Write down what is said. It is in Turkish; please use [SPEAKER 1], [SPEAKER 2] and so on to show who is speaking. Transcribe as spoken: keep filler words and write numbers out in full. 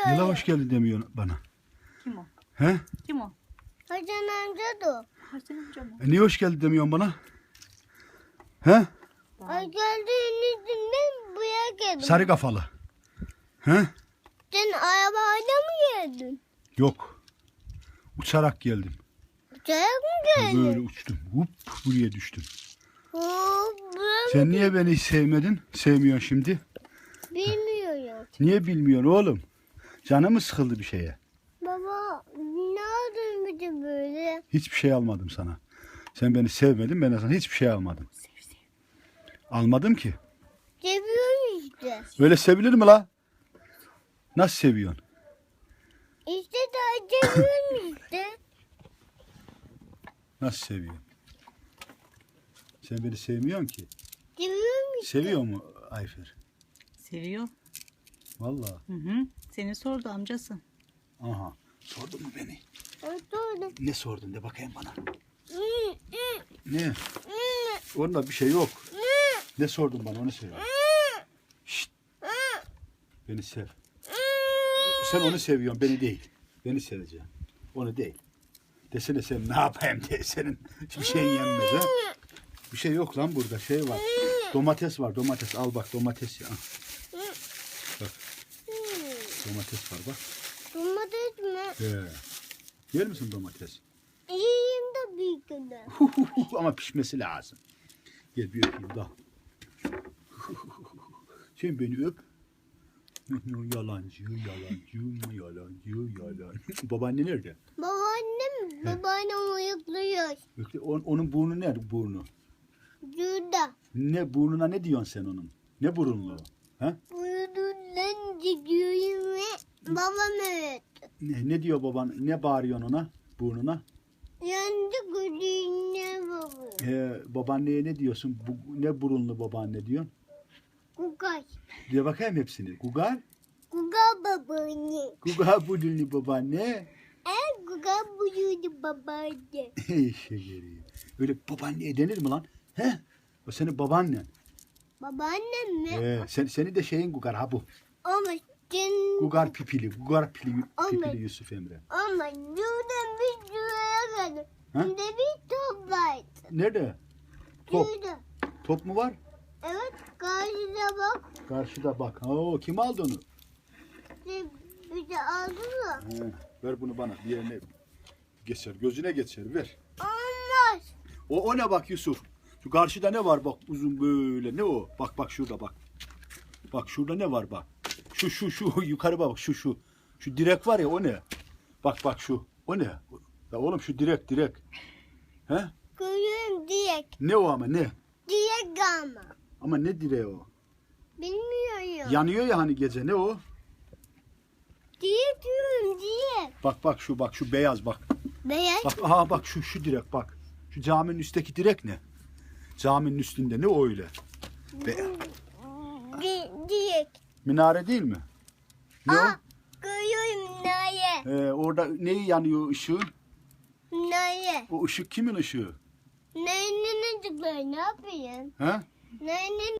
[SPEAKER 1] Nile hoş geldin demiyorsun bana.
[SPEAKER 2] Kim o?
[SPEAKER 1] He?
[SPEAKER 2] Kim o?
[SPEAKER 3] Hasan amca da.
[SPEAKER 2] Hasan amca mı?
[SPEAKER 1] E niye hoş geldin demiyorsun bana? He?
[SPEAKER 3] Ay geldiğin yüzünden buraya geldim.
[SPEAKER 1] Sarı kafalı. He?
[SPEAKER 3] Sen arabayla mı geldin?
[SPEAKER 1] Yok. Uçarak geldim.
[SPEAKER 3] Uçarak mı geldin?
[SPEAKER 1] Böyle uçtum. Hup buraya düştüm.
[SPEAKER 3] Oo, ben
[SPEAKER 1] Sen niye beni hiç sevmedin? Sevmiyorsun şimdi.
[SPEAKER 3] bilmiyorum.
[SPEAKER 1] Niye bilmiyorsun oğlum? Canım mı sıkıldı bir şeye?
[SPEAKER 3] Baba ne aldın bir de böyle?
[SPEAKER 1] Hiçbir şey almadım sana. Sen beni sevmedin, ben de sana hiçbir şey almadım.
[SPEAKER 2] Sev sev.
[SPEAKER 1] Almadım ki.
[SPEAKER 3] Seviyorum işte.
[SPEAKER 1] Öyle sevilir mi la? Nasıl seviyorsun?
[SPEAKER 3] İşte daha seviyorum işte.
[SPEAKER 1] Nasıl seviyorsun? Sen beni sevmiyorsun ki.
[SPEAKER 3] Seviyorum işte.
[SPEAKER 1] Seviyor mu Ayfer?
[SPEAKER 2] Seviyor.
[SPEAKER 1] Vallahi.
[SPEAKER 2] Hı hı. Seni sordu amcası.
[SPEAKER 1] Aha. Sordun mu beni?
[SPEAKER 3] Oturdum.
[SPEAKER 1] Ne sordun de bakayım bana.
[SPEAKER 3] Hmm, hmm,
[SPEAKER 1] Ne?
[SPEAKER 3] hmm,
[SPEAKER 1] Onda bir şey yok.
[SPEAKER 3] hmm,
[SPEAKER 1] Ne sordun bana onu söyle.
[SPEAKER 3] hmm,
[SPEAKER 1] Şşt.
[SPEAKER 3] hmm,
[SPEAKER 1] Beni sev.
[SPEAKER 3] hmm.
[SPEAKER 1] Sen onu seviyorsun, beni değil. Beni seveceksin. Onu değil. Desene sen ne yapayım diye senin hiçbir şeyin yenmez ha. Bir şey yok lan burada şey var. Domates var domates al bak domates ya. Bak domates var bak.
[SPEAKER 3] Domates mi?
[SPEAKER 1] He. Yer misin domates?
[SPEAKER 3] İyiyim de bir günde.
[SPEAKER 1] Ama pişmesi lazım. Gel bir öpeyim da. Sen beni öp. Yalancı, yalancı, yalancı, yalancı. Babaanne nerede?
[SPEAKER 3] Babaannem, babaannem uyukluyor.
[SPEAKER 1] Bekle, on- onun burnu nerede burnu?
[SPEAKER 3] Şurada.
[SPEAKER 1] Ne burnuna ne diyorsun sen onun? Ne burunlu? Ha?
[SPEAKER 3] Uyuduğundan gidiyorum ve babam evet.
[SPEAKER 1] Ne, ne diyor baban? Ne bağırıyorsun ona? Burnuna?
[SPEAKER 3] Yandı gözüne baba.
[SPEAKER 1] Ee, babaanneye ne diyorsun? Bu, ne burunlu babaanne diyorsun?
[SPEAKER 3] Kukay.
[SPEAKER 1] Diye bakayım hepsini. Gugar?
[SPEAKER 3] Kuka babaanne.
[SPEAKER 1] Gugar burunlu babaanne.
[SPEAKER 3] En kuka buyurdu babaanne.
[SPEAKER 1] Şekeri. Öyle babaanneye denir mi lan? He? O senin babaannen.
[SPEAKER 3] Babaannem mi?
[SPEAKER 1] Ee, sen, seni de şeyin Gugar ha bu.
[SPEAKER 3] Ama sen...
[SPEAKER 1] Gugar pipili. Gugar pipili,
[SPEAKER 3] Aman.
[SPEAKER 1] pipili Yusuf Emre.
[SPEAKER 3] Ama şuradan bir şuraya geldim.
[SPEAKER 1] Ha?
[SPEAKER 3] Bir de bir top vardı.
[SPEAKER 1] Nerede? Top.
[SPEAKER 3] Şurada.
[SPEAKER 1] Top mu var?
[SPEAKER 3] Evet karşıda bak.
[SPEAKER 1] Karşıda bak. Oo, kim aldı onu?
[SPEAKER 3] Bir, bir de aldı mı?
[SPEAKER 1] He, ver bunu bana. Bir yerine geçer. Gözüne geçer. Ver.
[SPEAKER 3] Olmaz.
[SPEAKER 1] O, o ne bak Yusuf? Şu karşıda ne var bak uzun böyle. Ne o? Bak bak şurada bak. Bak şurada ne var bak. Şu şu şu yukarı bak şu şu. Şu direk var ya o ne? Bak bak şu. O ne? Ya oğlum şu direk direk. He?
[SPEAKER 3] Görüyorum direkt.
[SPEAKER 1] Ne o ama ne?
[SPEAKER 3] Direkt ama.
[SPEAKER 1] Ama ne direği o?
[SPEAKER 3] Bilmiyorum.
[SPEAKER 1] Yanıyor ya hani gece ne o?
[SPEAKER 3] Direkt diyorum direkt.
[SPEAKER 1] Bak bak şu bak şu beyaz bak.
[SPEAKER 3] Beyaz.
[SPEAKER 1] Bak aha bak şu şu direk bak. Şu caminin üstteki direk ne? Caminin üstünde ne o öyle? Be
[SPEAKER 3] Di, direkt.
[SPEAKER 1] minare değil mi? Ne
[SPEAKER 3] Aa, görüyorum naye.
[SPEAKER 1] o? Ee, orada neyi yanıyor ışığın?
[SPEAKER 3] Naye.
[SPEAKER 1] O ışık kimin ışığı?
[SPEAKER 3] Nayenin çocukları ne yapayım?
[SPEAKER 1] He?
[SPEAKER 3] Nayenin